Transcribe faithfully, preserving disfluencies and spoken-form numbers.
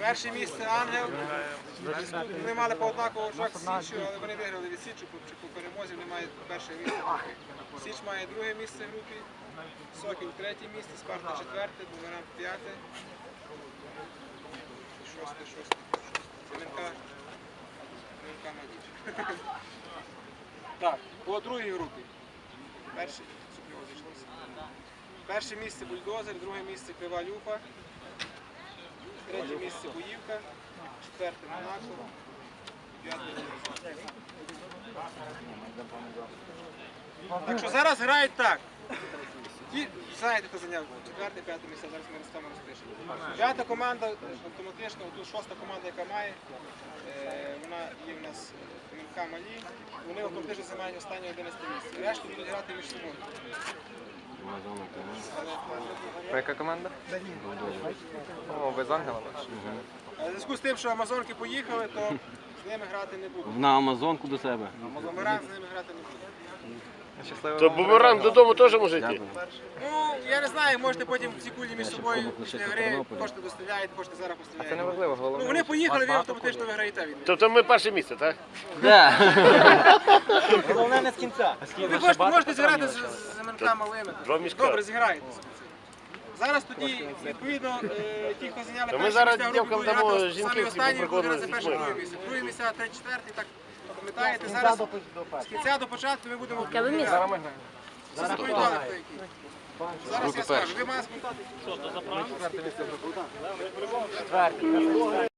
Перше місце Ангел. Вони мали по однаково очах з Січчю, але вони виграли від Січчю, по перемозі вони мають перше місце в групі. Січ має друге місце в групі, Сокіл третє місце, Спарта четверте, Бумеранг п'яте. Шосте, шосте, шосте. Семенка. Семенка Мадіч. Так, по другій групі. Перше, Перше місце Бульдозер, друге місце Крива Люфа, третє місце Боївка, четверте Монако, п'яте Луцьк. Так що зараз грають так. Ті, знаєте, хто зайняв четверте, п'яте місце, зараз ми розставимо розпишемо. П'ята команда, автоматично, тут шоста команда, яка має, вона є в нас Семенка Малі, вони автоматично займають останнє одинадцяте місце. Решту будуть грати між собою. А яка команда? О, ви з Ангелами? У зв'язку з тим, що Амазонки поїхали, то з ними грати не будуть. На Амазонку до себе. Бумеранг з ними грати не буде. То Бумеранг додому теж може йти? Ну, я не знаю, можете потім всі кулі між собою після гри, кошти доставляєте, кошти зараз поставляєте. Це не важливо, головне. Ну, вони поїхали, ви автоматично виграєте від них. Тобто ми перше місце, так? Головне не з кінця. Ви можете, можете зіграти з Семенка Малими. Два мішка. Добре, зіграєте. Зараз тоді, відповідно, ті, хто зайняли То ми перше зараз місце, групі дівкам будуть дамо грати жінків, самі які останні, будуть поприкольно грати з перше, дітьми. друге місце. Друге місце, третє, четверте, так, пам'ятаєте, зараз з кінця до початку ми будемо вибирати. Зараз ми граємо. Зараз повідомили, хто який. Зараз я скажу, ви маєте спитати. Четверте місце.